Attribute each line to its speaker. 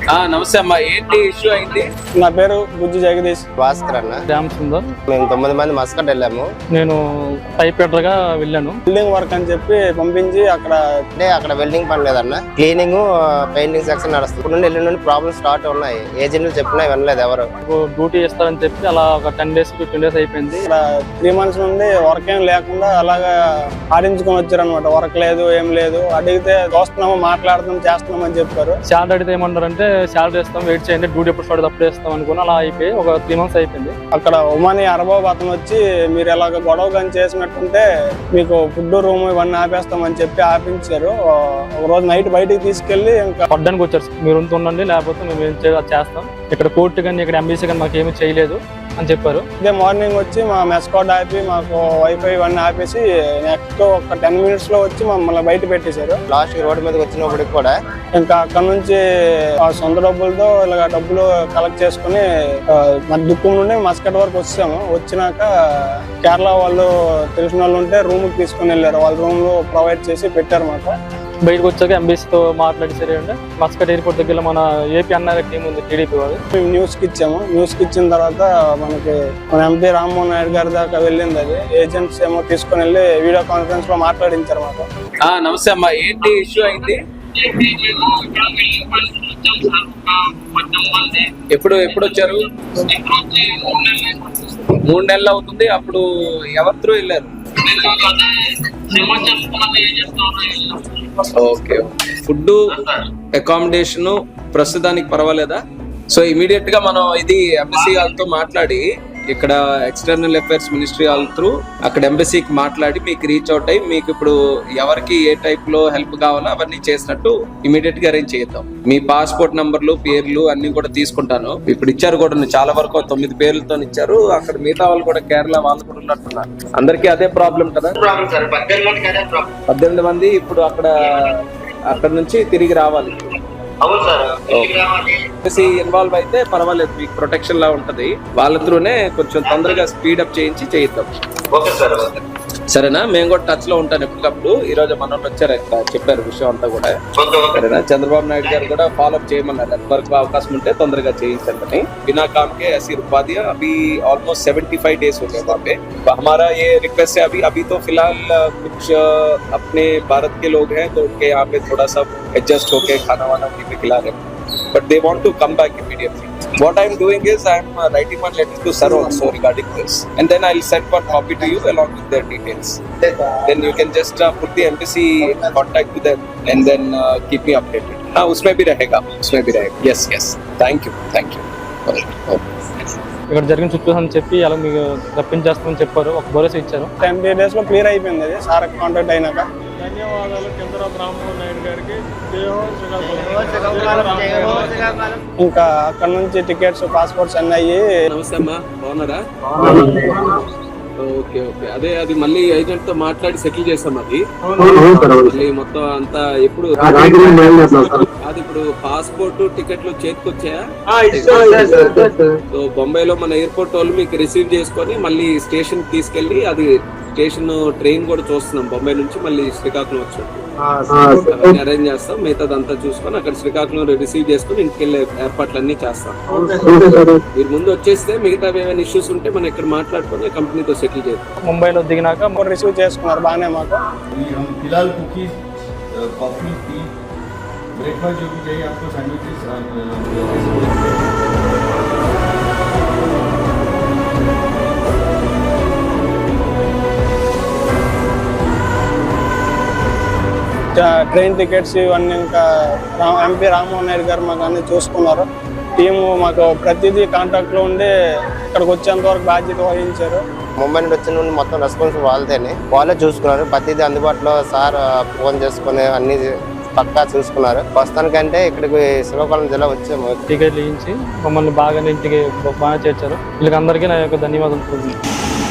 Speaker 1: నమస్తే అమ్మా, ఏంటి ఇష్యూ అయింది?
Speaker 2: నా పేరు బుజ్జి జగదీష్.
Speaker 3: భాస్కర్ అన్న.
Speaker 4: శ్యామ్ సుందర్.
Speaker 3: మేము 9 మంది మస్కట్ వెళ్ళాము.
Speaker 4: నేను పైప్ ఫిట్టర్గా వెళ్ళాను.
Speaker 2: బిల్డింగ్ వర్క్ అని చెప్పి పంపించి
Speaker 3: అక్కడ వెల్డింగ్ పని లేదన్న, క్లీనింగ్ పెయింటింగ్ సెక్షన్ నడుస్తుంది. ఇప్పుడు నుండి ఎల్లుండి ప్రాబ్లమ్స్ స్టార్ట్ ఉన్నాయి. ఏజెంట్లు చెప్పినా వినలేదు ఎవరు.
Speaker 4: డ్యూటీ ఇస్తారని చెప్పి అలా ఒక 10 days 15 days అయిపోయింది.
Speaker 2: ఇక్కడ 3 months నుండి వర్క్ ఏం లేకుండా అలాగా ఆడించుకొని వచ్చారు అనమాట. వర్క్ లేదు, ఏం లేదు. అడిగితే చూస్తున్నాము, మాట్లాడుతున్నాం, చేస్తున్నాం అని చెప్పారు.
Speaker 4: శాలరీ అడిగితే ఏమన్నారంటే శాలరీ ఇస్తాం, వెయిట్ చేయండి, డ్యూటీ ఎప్పుడు స్టార్ట్ అప్పుడే ఇస్తాం అనుకుని అలా అయిపోయి ఒక 3 months అయిపోయింది.
Speaker 2: అక్కడ ఉమాని అరబాబు అతను వచ్చి మీరు ఎలాగ గొడవ కానీ చేసినట్టుంటే మీకు ఫుడ్ రూమ్ ఇవన్నీ ఆపేస్తామని చెప్పి ఆపించారు. ఒక రోజు నైట్ బయటికి తీసుకెళ్లి ఇంకా
Speaker 4: పడ్డానికి వచ్చారు. మీరు ఉండండి, లేకపోతే మేము ఏం చేస్తాం, ఇక్కడ కోర్టు కానీ ఇక్కడ ఎంబీసీ కానీ మాకు ఏమీ చేయలేదు అని చెప్పారు.
Speaker 2: ఇదే మార్నింగ్ వచ్చి మా మెస్కాట్ ఆపి మాకు వైఫై ఇవన్నీ ఆపేసి నెక్స్ట్ ఒక 10 minutes లో వచ్చి మమ్మల్ని బయట పెట్టేశారు.
Speaker 3: లాస్ట్ రోడ్డు మీదకి వచ్చినప్పటికి కూడా
Speaker 2: ఇంకా అక్కడ నుంచి ఆ సొంత డబ్బులతో ఇలాగ డబ్బులు కలెక్ట్ చేసుకుని దుక్కుం నుండి మస్కట్ వరకు వచ్చాము. వచ్చినాక కేరళ వాళ్ళు తెలిసిన వాళ్ళు ఉంటే రూమ్ కి తీసుకుని వెళ్ళారు. వాళ్ళ రూమ్ లో ప్రొవైడ్ చేసి పెట్టారు మాకు.
Speaker 4: బయటకు వచ్చాక ఎంబీసీతో మాట్లాడి సరే అంటే మస్కట్ ఎయిర్పోర్ట్ దగ్గర మన ఏపీ అన్నారు టీం ఉంది, టీడీపీ వాళ్ళు.
Speaker 2: మేము న్యూస్ కి ఇచ్చాము. న్యూస్ కి ఇచ్చిన తర్వాత మనకి మన ఎంపీ రామ్మోహన్ నాయుడు గారి దాకా వెళ్ళింది. అది ఏజెంట్స్ ఏమో తీసుకుని వెళ్ళి వీడియో కాన్ఫరెన్స్ లో మాట్లాడించారు మాకు.
Speaker 1: నమస్తే అమ్మా, ఏంటి ఇష్యూ అయింది? ఎప్పుడు వచ్చారు? 3 నెలలు అవుతుంది. అప్పుడు ఎవరి త్రూ వెళ్ళారు? ఓకే, ఫుడ్ అకామిడేషన్ ప్రస్తుతానికి పర్వాలేదా? సో ఇమీడియట్ గా మనం ఇది ఎంబసీ వాళ్ళతో మాట్లాడి ఇక్కడ ఎక్స్టర్నల్ అఫైర్స్ మినిస్ట్రీ వాళ్ళ త్రూ అక్కడ ఎంబసీకి మాట్లాడి మీకు రీచ్ అవుట్ అయ్యి మీకు ఇప్పుడు ఎవరికి ఏ టైప్ లో హెల్ప్ కావాలో అవన్నీ చేసినట్టు ఇమీడియట్ గా అరేంజ్ చేద్దాం. మీ పాస్పోర్ట్ నంబర్లు, పేర్లు అన్ని కూడా తీసుకుంటాను. ఇప్పుడు ఇచ్చారు కూడా, చాలా వరకు 9 పేర్లతో ఇచ్చారు. అక్కడ మిగతా వాళ్ళు కూడా కేరళ వాళ్ళు కూడా ఉన్నట్టున్నారు. అందరికీ అదే ప్రాబ్లం కదా? 18 మంది ఇప్పుడు అక్కడ నుంచి తిరిగి రావాలి. ఇన్వాల్వ్ అయితే పర్వాలేదు, మీకు ప్రొటెక్షన్ లా ఉంటది. వాళ్ళ త్రూనే కొంచెం తొందరగా స్పీడప్ చేయించి చేయిద్దాం. సరేనా? మేము కూడా టచ్ లో ఉంటాను ఎప్పటికప్పుడు. ఈ రోజు మన వచ్చారు, చెప్పారు విషయం అంతా కూడా. సరేనా? చంద్రబాబు నాయుడు గారు కూడా ఫాలో అప్ చేయమన్నారు. ఎంతవరకు అవకాశం ఉంటే తొందరగా చేయించండి. बिना काम के ऐसी रुकवा दिया. अभी ऑलमोस्ट 75 days हो गए वहाँ पे. हमारा ये रिक्वेस्ट है, अभी तो फिलहाल कुछ अपने भारत के लोग हैं तो उनके यहाँ पे थोड़ा सा एडजस्ट होके खाना वाना उन्हीं पे खिला रहे हैं. But they want to come back immediately. What I'm doing is I'm writing one letter to Sir also regarding this, and then I'll send one copy to you along with their details. Then you can just put the embassy in contact with them and then keep me updated. हाँ, उसमें भी रहेगा. Yes. Thank you.
Speaker 4: ఇక్కడ జరిగిన situation చెప్పి అలా మీకు రప్పించేస్తామని చెప్పారు. ఒక భరోసా ఇచ్చారు.
Speaker 2: 10 days లో క్లియర్ అయిపోయింది. అది సార్ కాంటాక్ట్ అయినాక.
Speaker 4: ధన్యవాదాలు చంద్రబాబు రామ్మోహన్ నాయుడు గారికి.
Speaker 2: ఇంకా అక్కడ నుంచి టికెట్స్, పాస్పోర్ట్స్ అన్నీ అయ్యి.
Speaker 1: నమస్తే అమ్మా, బాగున్నారా? ఓకే. అదే అది మళ్ళీ ఏజెంట్ తో మాట్లాడి సెటిల్ చేస్తాం. అది మళ్ళీ మొత్తం అంతా ఎప్పుడు అది ఇప్పుడు పాస్పోర్ట్ టికెట్లు చేతికి వచ్చాయా? సో బొంబాయిలో మన ఎయిర్పోర్ట్ వాళ్ళు మీకు రిసీవ్ చేసుకొని మళ్ళీ స్టేషన్ తీసుకెళ్లి, అది స్టేషన్ ట్రైన్ కూడా చూస్తున్నాం బొంబాయి నుంచి మళ్ళీ శ్రీకాకుళం వచ్చినట్టు అవన్నీ అరేంజ్ చేస్తాం. మిగతాదంతా చూసుకొని అక్కడ శ్రీకాకుళం రిసీవ్ చేసుకుని ఇంటికి వెళ్ళే ఏర్పాట్లన్నీ చేస్తాం. మీరు ముందు వచ్చేస్తే మిగతా ఏమైనా ఇష్యూస్ ఉంటే మనం ఇక్కడ మాట్లాడుకొని కంపెనీతో సెటిల్ చేద్దాం.
Speaker 4: ముంబైలో దిగినాక
Speaker 2: రిసీవ్ చేసుకున్నారు బాగానే మాకు.
Speaker 5: फिलहाल कुकीज, कॉफी, टी, ब्रेकफास्ट जो भी चाहिए आपको, सैंडविचेस
Speaker 2: ట్రైన్ టికెట్స్ ఇవన్నీ ఇంకా ఎంపీ రామ్మోహన్ నాయుడు గారు మాకు అన్ని చూసుకున్నారు. టీము మాకు ప్రతిదీ కాంటాక్ట్ లో ఉండి ఇక్కడికి వచ్చేంత వరకు బాధ్యత వహించారు.
Speaker 3: ముంబై నుండి వచ్చిన నుండి మొత్తం రెస్పాన్సిబుల్ వాళ్ళే చూసుకున్నారు. ప్రతిదీ అందుబాటులో సార్ ఫోన్ చేసుకుని అన్ని పక్కా చూసుకున్నారు. ప్రస్తుతానికంటే ఇక్కడికి శ్రీకాకుళం జిల్లా వచ్చాము.
Speaker 4: టికెట్లు ఇచ్చి మమ్మల్ని బాగా ఇంటికి బాగా చేర్చారు. వీళ్ళకి అందరికీ నా యొక్క ధన్యవాదాలు.